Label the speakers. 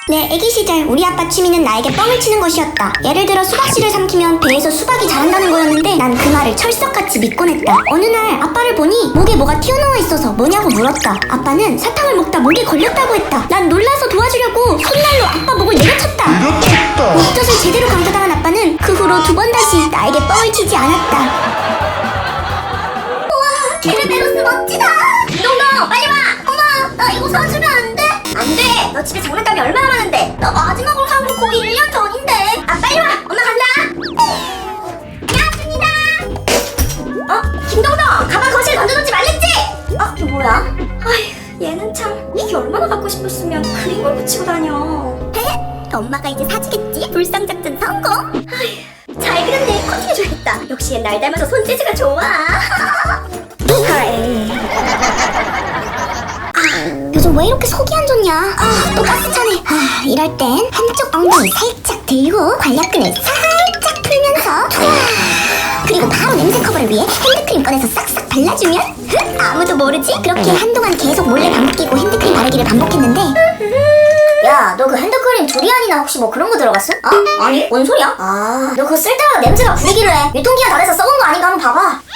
Speaker 1: 내 애기 시절 우리 아빠 취미는 나에게 뻥을 치는 것이었다. 예를 들어 수박씨를 삼키면 배에서 수박이 자란다는 거였는데 난 그 말을 철석같이 믿곤 했다. 어느 날 아빠를 보니 목에 뭐가 튀어나와 있어서 뭐냐고 물었다. 아빠는 사탕을 먹다 목에 걸렸다고 했다. 난 놀라서 도와주려고 손날로 아빠 목을 내려쳤다. 목젖을 제대로 강타당한 아빠는 그 후로 두 번 다시 나에게 뻥을 치지 않았다. 우와, 케르베로스 멋지다. 너 빨리 와. 어머, 나 이거 사주면 안 돼? 안 돼. 너 집에 장난감이 얼마나 많은데. 나 마지막으로 산 거 거의 1년 전인데. 아, 빨리 와. 엄마 간다. 야, 준이다. 김동동, 가방 거실에 던져놓지 말랬지? 이게 뭐야? 아휴, 얘는 참. 이게 얼마나 갖고 싶었으면 그림을 붙이고 다녀. 엄마가 이제 사주겠지? 불상작전 성공. 아휴, 잘 그렸네. 커팅해줘야겠다. 역시 날 닮아서 손재주가 좋아. 요즘 왜 이렇게 속이 안 좋냐? 또 가스 차네. 이럴 땐 한쪽 엉덩이 살짝 들고 관략근을 살짝 풀면서 그리고 바로 냄새 커버를 위해 핸드크림 꺼내서 싹싹 발라주면 아무도 모르지? 그렇게 한동안 계속 몰래 반복끼고 핸드크림 바르기를 반복했는데 야, 너 그 핸드크림 두리안이나 혹시 뭐 그런 거 들어갔어? 아니, 뭔 소리야? 너 그거 쓸 때마다 냄새가 부리기로 해. 유통기한 다 돼서 썩은 거 아닌가 한번 봐봐.